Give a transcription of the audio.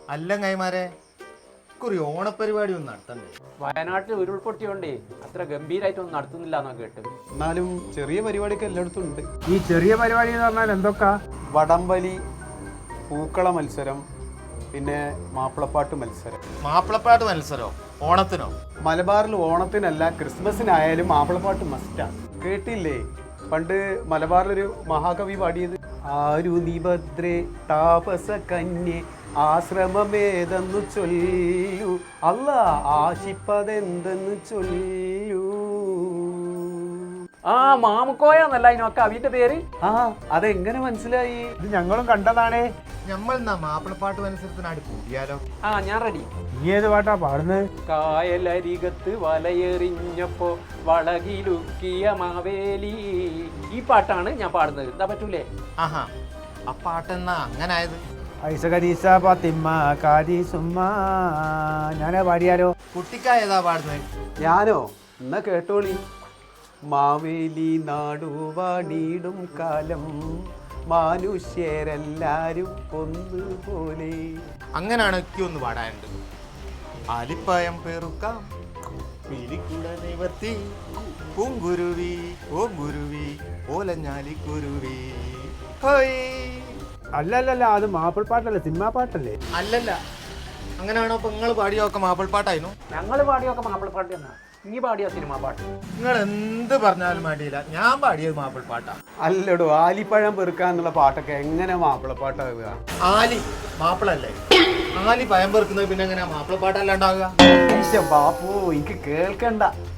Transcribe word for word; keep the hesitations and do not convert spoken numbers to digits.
അല്ല കൈമാരെ കുറി ഓണപരിപാടി ഒന്നും നടത്തണ്ടേ? വയനാട്ടിൽ ഉരുൾപൊട്ടിയോണ്ടേ അത്ര ഗംഭീരമായിട്ടൊന്നും നടത്തുന്നില്ല എന്നോ കേട്ടു. എന്നാലും ചെറിയ പരിപാടിയൊക്കെ എല്ലായിടത്തും ഉണ്ട്. ഈ ചെറിയ പരിപാടി എന്ന് പറഞ്ഞാൽ എന്തൊക്കെ? വടംവലി, പൂക്കള മത്സരം, പിന്നെ മാപ്പിളപ്പാട്ട് മത്സരം. മാപ്പിളപ്പാട്ട് മത്സരോ ഓണത്തിനോ? മലബാറിൽ ഓണത്തിനല്ല ക്രിസ്മസിനായാലും മാപ്പിളപ്പാട്ട് മസ്റ്റാണ്. കേട്ടില്ലേ പണ്ട് മലബാറിലൊരു മഹാകവി പാടിയത്? ആരു നിഭദ്രേ താപസ കന്യേ ആശ്രമമേതെന്നു ചൊല്ലു, അല്ല ആശിപ്പതെന്തെന്ന് ചൊല്ലു. ആ മാമുക്കോയെന്നല്ല അതിനൊക്കെ അവന്റെ പേര്. ആ അതെങ്ങനെ മനസ്സിലായി? ഇത് ഞങ്ങളും കണ്ടതാണേ. നമ്മൾ എന്നാ മാപ്പിളപ്പാട്ട് മത്സരത്തിനാടി കൂടിയാലോ? ആ ഞാൻ റെഡി. നീ ഏത് പാട്ടാ പാടുന്നത്? കായലരികത്ത് വലയെറിഞ്ഞപ്പോ വളകിലുക്കിയ മാവേലി. ഈ പാട്ടാണ് ഞാൻ പാടുന്നത്. എന്താ പറ്റൂലേ? ആഹാ, ആ പാട്ടെന്നാ അങ്ങനെ ആയത്? ഐസ കരീസ പാത്തിമ്മ കാരി സുമ്മ. ഞാനാ പാടിയാലോ? കുട്ടിക്കായതാ പാടുന്നത്? ഞാനോ? എന്നാ കേട്ടോളി. മാവേലി നാടുവാണിടും കാലം മനുഷ്യരെല്ലാരും ഒന്നുപോലെ. അങ്ങനാണ് ഒക്കെ ഒന്ന് പാടാനുണ്ട്. ആലിപ്പായം പെറുക്കാം പീലിക്കൂട നിവർത്തി പൂങ്കുരുവി ഓ ഗുരുവി ഓലഞ്ഞാലിക്കുരുവി. ഹോയ്. അല്ലല്ലല്ല, അത് മാപ്പിൾ പാട്ടല്ലേ, സിനിമാ പാട്ടല്ലേ? അല്ലല്ല, അങ്ങനെയാണോ? അപ്പൊ നിങ്ങൾ പാടിയൊക്കെ മാപ്പിൾപ്പാട്ടായിരുന്നു? ഞങ്ങള് പാടിയൊക്കെ മാപ്പിളപ്പാട്ട് എന്നാ. നീ പാടിയ സിനിമ പാട്ട്. നിങ്ങൾ എന്ത് പറഞ്ഞാലും വേണ്ടിയില്ല, ഞാൻ പാടിയത് മാപ്പിൾപ്പാട്ടാ. അല്ലടോ, ആലിപ്പഴം പെറുക്കാന്നുള്ള പാട്ടൊക്കെ എങ്ങനെ മാപ്പിളപ്പാട്ടാവുക? ആലി മാപ്പിളല്ലേ? ആലി പയം പെറുക്കുന്നത് പിന്നെ എങ്ങനെയാ മാപ്പിളപ്പാട്ടല്ലാണ്ടാവുക? ബാപ്പു എനിക്ക് കേൾക്കണ്ട.